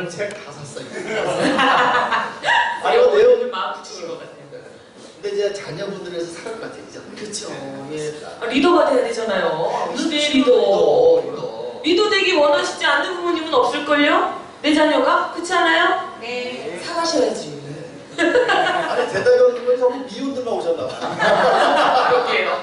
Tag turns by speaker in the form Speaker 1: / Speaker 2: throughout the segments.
Speaker 1: 오늘 책 다 샀어요. 아니 내용을
Speaker 2: 마음 붙이신 것 같아요.
Speaker 1: 근데 이제 자녀분들에서 살 것 같아요, 그죠?
Speaker 2: 그렇죠. 예. 리더가 돼야 되잖아요. 시대의 리더. 리더 되기 원하시지 않는 부모님은 없을걸요? 내 자녀가? 그렇지 않아요? 네. 사가셔야지.
Speaker 1: 아니 대답이 없는 건 전부 미혼들만 오셨나 봐.
Speaker 2: 그러게요.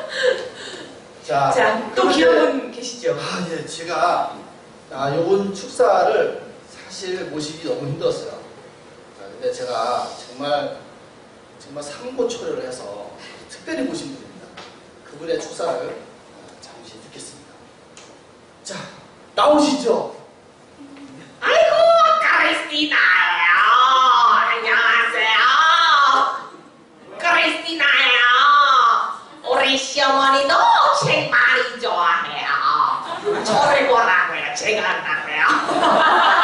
Speaker 2: 자, 또 귀여운 분 계시죠?
Speaker 1: 아, 예, 제가 요번 축사를 사실 모시기 너무 힘들었어요. 근데 제가 정말 삼고초려를 해서 특별히 모신 분입니다. 그분의 축사를 잠시 듣겠습니다. 자, 나오시죠.
Speaker 3: 아이고, 크리스티나예요. 안녕하세요. 크리스티나예요. 우리 시어머니도 책 많이 좋아해요. 저를 보라고요. 제가 한다고요.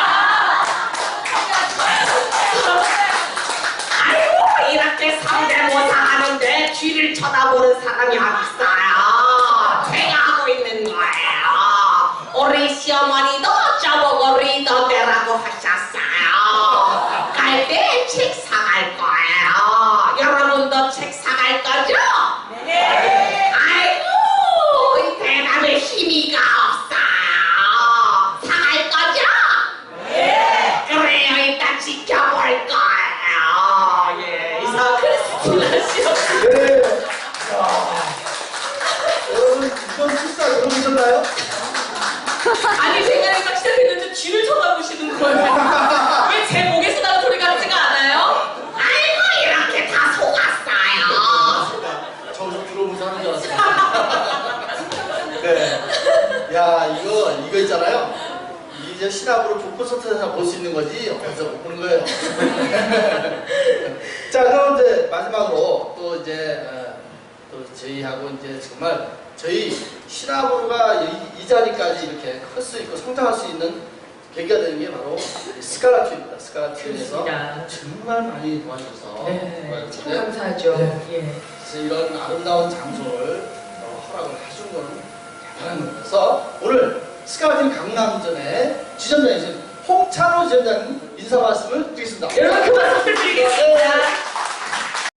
Speaker 3: 아이고, 이렇게 상대모사 하는데 뒤를 쳐다보는 사람이 어딨어요. 제가 하고 있는 거예요. 우리 시어머니도 저보고 리더되라고 하셨어요. 갈 때 책 사갈 거예요. 여러분도 책 사갈 거죠? 네. 아이고, 이 대답에 힘이가 없어요. 사갈 거죠? 네. 그래요, 일단 지켜볼 거예요. 예, 이상
Speaker 2: 크리스티나 씨.
Speaker 1: 네. 여러분, 이번 축사 들어보셨나요?
Speaker 2: 아니, 제가 딱 시작했는데 뒤를 쳐다보시는 거예요. 왜 제 목에서 나는 소리 같지가 않아요?
Speaker 3: 아이고, 이렇게 다 속았어요.
Speaker 1: 저도 들어보면서 하는 줄 알았어요. 네. 야, 이거 있잖아요. 이제 신압으로 북콘서트에서 볼 수 있는 거지, 어디서 못 보는 거예요. 자, 그럼 이제 마지막으로 또 이제, 또 저희하고 이제 정말 저희 신압으로가 이 자리까지 이렇게 클 수 있고 성장할 수 있는 계기가 되는 게 바로 스칼라튜입니다. 스칼라튜에서 정말 많이 도와주셔서
Speaker 2: 네, 참 감사하죠.
Speaker 1: 네.
Speaker 2: 예.
Speaker 1: 그래서 이런 아름다운 장소를 허락을 해준 거는 대단한 겁니다. 그래서 오늘 스칼라튜 강남전에 지점장이신 홍찬호 지점장님 인사 말씀을 드리겠습니다.
Speaker 2: 여러분 그 말씀 드리겠습니다.